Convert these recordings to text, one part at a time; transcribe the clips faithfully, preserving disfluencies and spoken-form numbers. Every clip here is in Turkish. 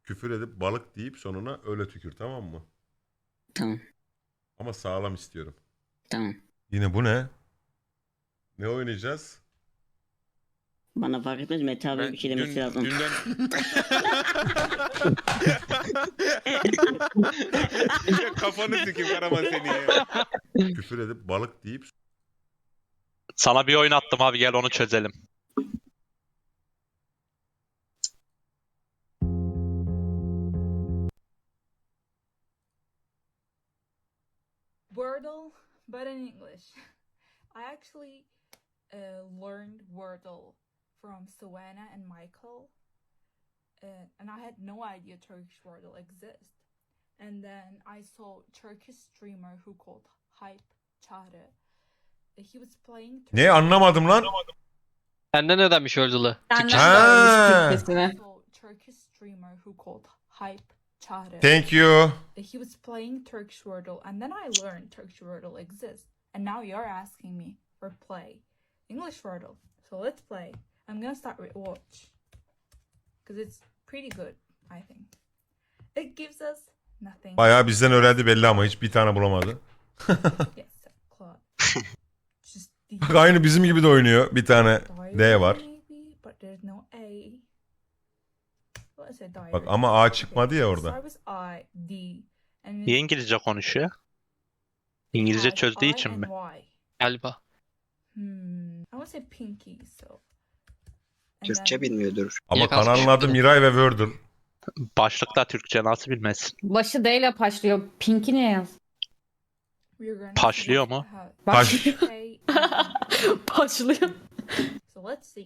Küfür edip balık deyip sonuna öyle tükür, tamam mı? Tamam. Ama sağlam istiyorum. Tamam. Yine bu ne? Ne oynayacağız? Bana fark etmez. Mete abi Ben bir şey demesi dün, lazım. dünden... Ya kafanı sikeyim Karaman seni ya. Küfür edip balık deyip Sana bir oyun attım abi, gel onu çözelim. Wordle, but in English. I actually uh, learned Wordle from Savannah and Michael, uh, and I had no idea Turkish Wordle exists. And then I saw Turkish streamer who called Hype Çağrı. He was playing. Ne anlamadım lan? Senden ödenmiş öldüğü. Ha. So Turkish streamer who called Hype Çağrı. Thank you. He was playing Turkish Wordle, and then I learned Turkish Wordle exists. And now you're asking me for play English Wordle. So let's play. I'm gonna start with watch, because it's pretty good, I think. It gives us nothing. Bayağı bizden öğrendi belli ama hiç bir tane bulamadı. Yes, Claude. Just Bak aynı bizim gibi de oynuyor. Bir tane D var. Maybe, but there's no A. Let's say diary. Bak ama A çıkmadı ya orada. Start with I, D, and Niye İngilizce konuşuyor? İngilizce has çözdüğü I için and mi? Y. Galiba. Hmm. I would say pinky, so. And Türkçe then- bilmiyordur. Ama Yaklaşık kanalın adı bir- Miray ve Wordle. Başlıkta Türkçe nasıl bilmezsin? Başı D ile başlıyor. Pink'i ne yaz? we're gonna Paşlıyor see mu? how- Taş. Okay, and- Başlıyor. So let's see.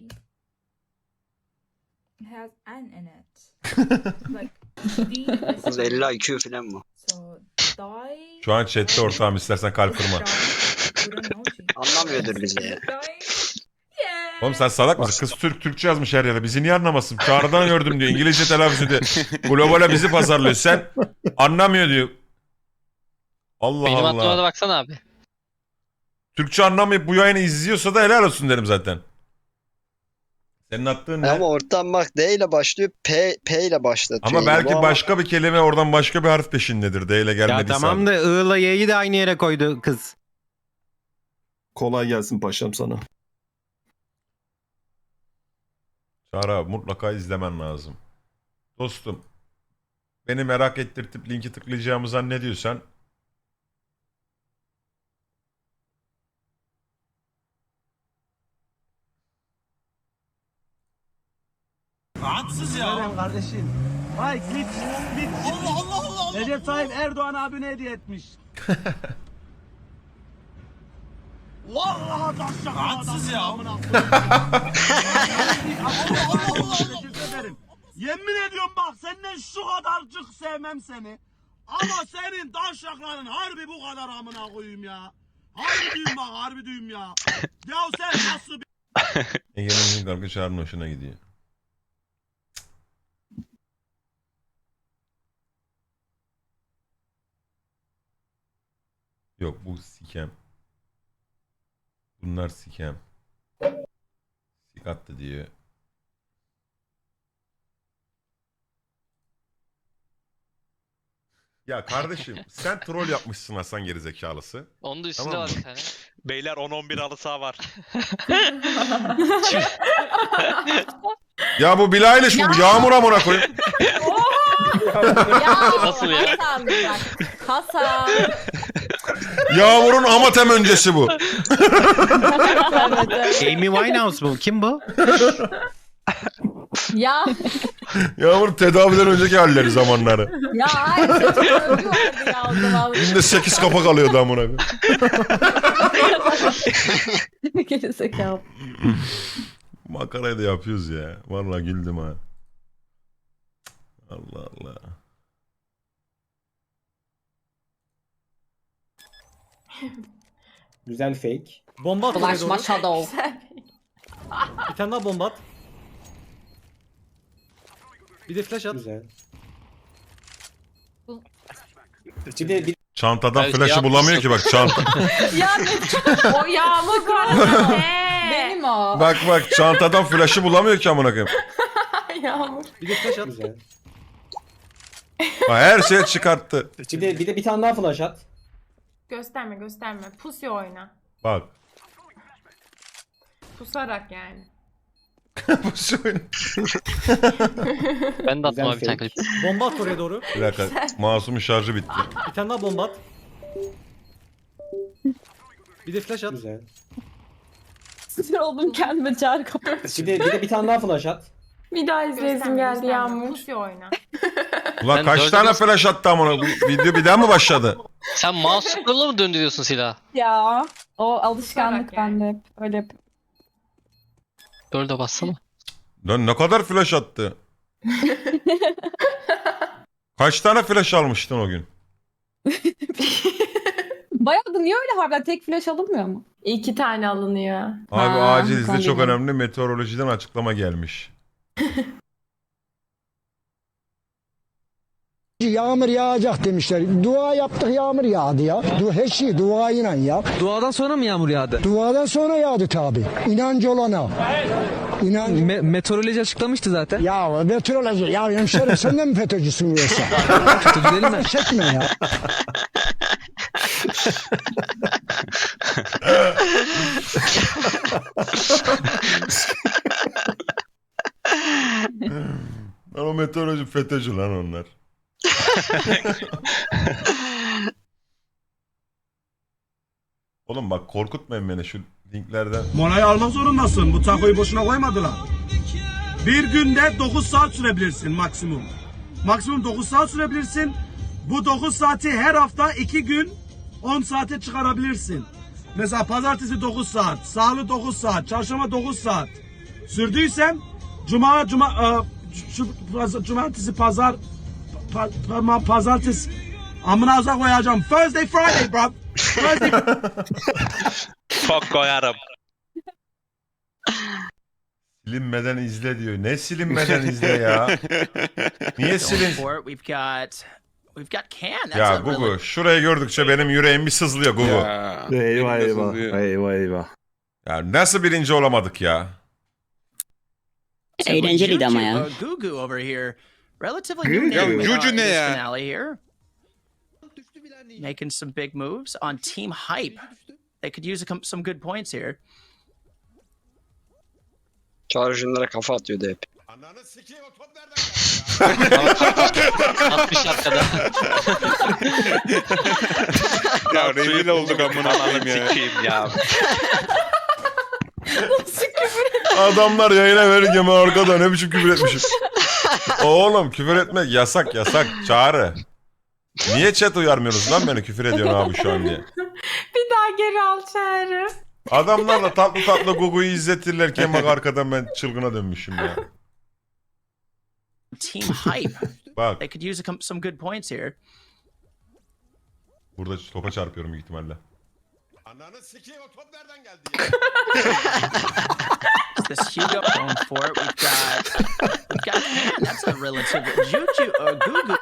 It has N in it. Like D Kız is elli I Q falan mı? so die. Şu an chatte ortağım, istersen kalp kırma. Anlamıyordur bizi ya. Yeah. Oğlum sen salak mısın? Kız Türk Türkçe yazmış her yere. Bizi niye anlamasın? Çağrı'dan gördüm diyor. İngilizce telaffuz ediyor. Globale bizi pazarlıyor. Sen anlamıyor diyor. Allah Benim aklıma da Allah. baksana abi. Türkçe anlamayıp bu yayını izliyorsa da helal olsun derim zaten. Senin attığın ne? Ama ortam bak D ile başlıyor, P, P ile başlatıyor. Ama yine. belki Bu ama- başka bir kelime oradan başka bir harf peşindedir. D ile gelmediyse. Ya tamam da I ile Y'yi de aynı yere koydu kız. Kolay gelsin paşam sana. Çağrı abi mutlaka izlemen lazım. Dostum. Beni merak ettirtip linki tıklayacağımı zannediyorsan Haksız ya. Kardeşim. Vay git git. Allah Allah Allah. Allah. Recep Tayyip Erdoğan abine hediye etmiş. Vallahi taşacak. Haksız ya. Allah Allah Allah. Teşekkür ederim. Yemin ediyorum bak senden şu kadarcık sevmem seni. Ama senin taşakların harbi bu kadar amına koyayım ya. Harbi düğüm bak harbi düğüm ya. Ya sen nasıl bir... Ege'nin kargı Çağrı'nın hoşuna gidiyor. Yok bu sikem. Bunlar sikem. Sik attı diyor. Ya kardeşim sen troll yapmışsın Hasan gerizekalısı. Onun da üstünde Tamam var mı? bir tane. Beyler on on bir halı saha var. Ya bu Bilal Eilish mi bu? Yağmur amına koyayım. Ya Nasıl ya? Hasan bak. Hasan. Yağmur'un Amatem öncesi bu. Evet, evet. Amy Winehouse bu. Kim bu? Ya Yağmur tedaviden önceki halleri zamanları. ya hayır. Çocuk öldü vardı ya o zaman. Günde sekiz kapak alıyordu amına koyayım. Gerizekalı. Makarayı da yapıyoruz ya. Vallahi güldüm ha. Allah Allah. Güzel fake. Bomba at. Bulaşma Shadow. Bir tane daha bomba at. Bir de flash at. Güzel. Bir de bir Çantadan Evet, flaşı yapmışsın. bulamıyor ki bak çanta. Ya ne? O yağmur kararı. Benim o. Bak bak çantadan flaşı bulamıyor ki amına koyayım. Yağmur. bir de flash at. Güzel. Ha, her şey çıkarttı. Bir de bir de bir tane daha flash at. Gösterme gösterme. Pusi oyna. Bak. Pusarak yani. Bu şey oyun- Ben de attım abi bir tane klip. Bomba at oraya doğru. Bir dakika. Masumun şarjı bitti. Bir tane daha bomba at. Bir de flash at. Güzel. Sinir oldum kendime çağrı kapatıyorum. Bir de bir de bir tane daha flash at. Bir daha izleyesim geldi Yağmur. Pusi oyna. Ulan Ben kaç dördü tane bas- flash attı amına? Bu video bir daha mı başladı? Sen mouse scroll'la mı döndürüyorsun silahı? Ya o alışkanlık Pusarak yani. bende hep. Öyle yap. Dörde bassana. Lan ne kadar flash attı? Kaç tane flash almıştın o gün? Bayağı da niye öyle harbiden tek flash alınmıyor mu? İki tane alınıyor. Abi Ha, acil izle, çok anladım. önemli meteorolojiden açıklama gelmiş. Yağmur yağacak demişler. Dua yaptık yağmur yağdı ya. Du her şey duayla ya. Duadan sonra mı yağmur yağdı? Duadan sonra yağdı tabi. İnancı olana. İnan Meteoroloji açıklamıştı zaten. ya meteoroloji ya hemşerim sen de mi FETÖ'cüsün yoksa? Gidelim mi? Çekme ya. Lan o meteoroloji FETÖ'cü lan onlar. Oğlum bak korkutmayın beni şu linklerden. Molayı almak zorundasın. Bu takoyu boşuna koymadılar. Bir günde dokuz saat sürebilirsin maksimum. Maksimum dokuz saat sürebilirsin. Bu dokuz saati her hafta iki gün on saate çıkarabilirsin. Mesela pazartesi dokuz saat, salı dokuz saat, çarşamba dokuz saat. Sürdüysem cuma cuma e, şu paz- cumartesi pazar pa, pa, pazartesi amına azak koyacağım. Thursday Friday bro. Thursday Çok koyarım. Silinmeden izle diyor. Ne silinmeden izle ya? Niye silin? We've got we've got can. Ya Gugu şurayı gördükçe benim yüreğim bir sızlıyor Gugu. Ya, Ya. Eyvah Benim de eyvah. sızlıyor. Eyvah eyvah. nasıl birinci olamadık ya? Eğlenceliydi ama ya. Gugu over here. Relatively Gugu? new name Ya, uh, Juju in ne this ya? finale here. Making some big moves on Team Hype. They could use a, com- some good points here. Çağrıcılara kafa atıyordu hep. Ananı sikeyim, o top nereden geldi Atmış arkada. Ya rezil olduk amına koyayım ya. Sikeyim ya. Adamlar yayına verirken ben arkada ne biçim küfür etmişim. Oğlum küfür etmek yasak yasak Çağrı. Niye chat uyarmıyorsunuz lan beni küfür ediyorsun abi şu an diye. Bir daha geri al çağrı. Adamlar da tatlı tatlı Gugu'yu izletirlerken bak arkadan ben çılgına dönmüşüm ya. Team Hype. Bak They could use a com- some good points here. burada topa çarpıyorum büyük ihtimalle. Ananı sikeyim, o top nereden geldi ya? This Hugo going for it. We've got we've got can. That's a relative Juju or Gugu.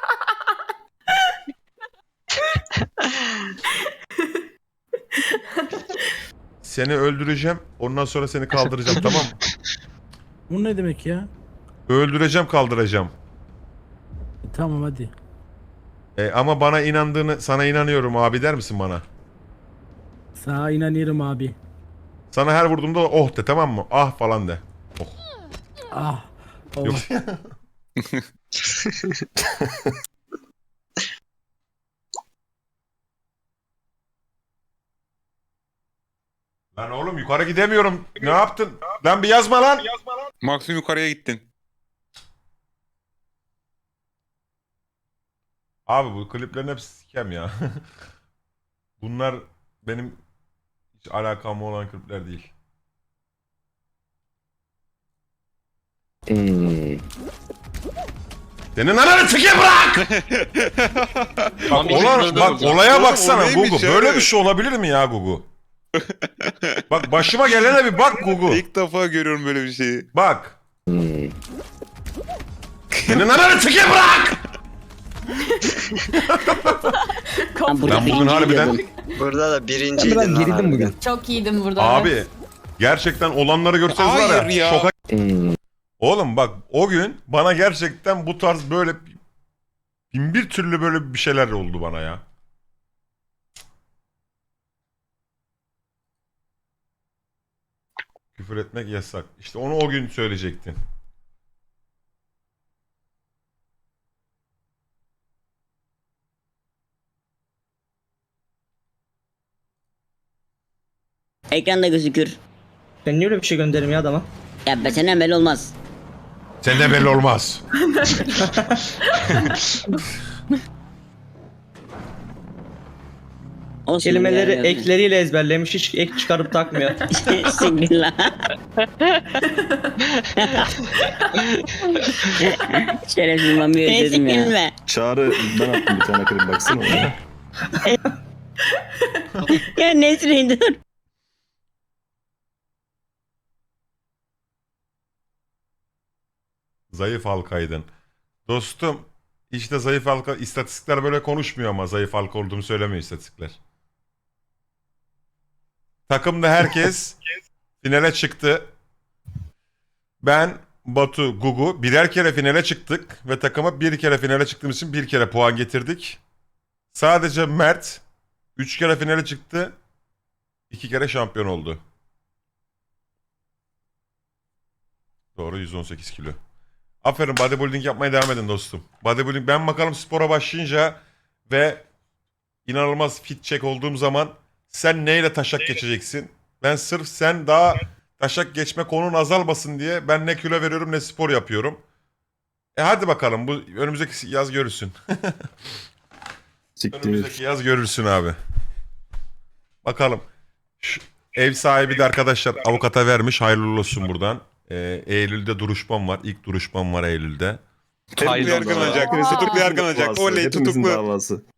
Seni öldüreceğim ondan sonra seni kaldıracağım tamam mı? Bu ne demek ya? Öldüreceğim kaldıracağım. Tamam hadi. E, ama bana inandığını sana inanıyorum abi der misin bana? Sana inanıyorum abi. Sana her vurduğumda oh de tamam mı? Ah falan de. Oh. Ah. Yok. Lan oğlum yukarı gidemiyorum. Ne yaptın? Lan bir yazma lan. Maksimum yukarıya gittin. Abi bu kliplerin hepsi sikem ya. Bunlar benim hiç alakam olan klipler değil. Senin ananı sikeyim bırak! Bak, bir olan, çıldırdı bak bu. olaya Oğlum, o baksana neymiş Gugu. ya? Böyle bir şey olabilir mi ya Gugu? Bak başıma gelene bir bak Gugu. İlk defa görüyorum böyle bir şeyi. Bak. Senin ananı sikeyim bırak! Ben burada Ben bugün birinci harbiden gidiyordum. Burada da birinciydin lan harbiden. bugün. Çok iyiydim burada. abi gerçekten olanları görseniz var ya, Hayır ya. şoka. Oğlum bak o gün bana gerçekten bu tarz böyle bir Bin bir türlü böyle bir şeyler oldu bana ya. Küfür etmek yasak. İşte onu o gün söyleyecektin. Ekranda gözükür. Ben niye öyle bir şey gönderim ya adama? Ya be senden belli olmaz. Senden belli olmaz. Olsun Kelimeleri ya, ekleriyle ezberlemiş, hiç ek çıkarıp takmıyor. Siktir lan. Şerefsiz mami özledim ya. Çağrı ben attım bir tane klip baksana ona. Ya Nesrin dur. Zayıf halkaydın. Dostum işte zayıf halka istatistikler böyle konuşmuyor ama zayıf halka olduğumu söylemiyor istatistikler. Takımda herkes finale çıktı. Ben, Batu, Gugu birer kere finale çıktık ve takıma bir kere finale çıktığımız için bir kere puan getirdik. Sadece Mert üç kere finale çıktı. iki kere şampiyon oldu. Doğru yüz on sekiz kilo. Aferin bodybuilding yapmaya devam edin dostum. Bodybuilding ben bakalım spora başlayınca ve inanılmaz fit check olduğum zaman sen neyle taşak geçeceksin? Ben sırf sen daha taşak geçme konun azalmasın diye ben ne kilo veriyorum ne spor yapıyorum. E hadi bakalım bu önümüzdeki yaz görürsün. Siktir. Önümüzdeki yaz görürsün abi. Bakalım. Şu ev sahibi de arkadaşlar avukata vermiş. Hayırlı olsun buradan. Ee, Eylül'de duruşmam var. İlk duruşmam var Eylül'de. Tutuklu Hayırlı olsun. yargılanacak. Tutuklu yargılanacak. Davası, Oley hepimizin tutuklu. davası.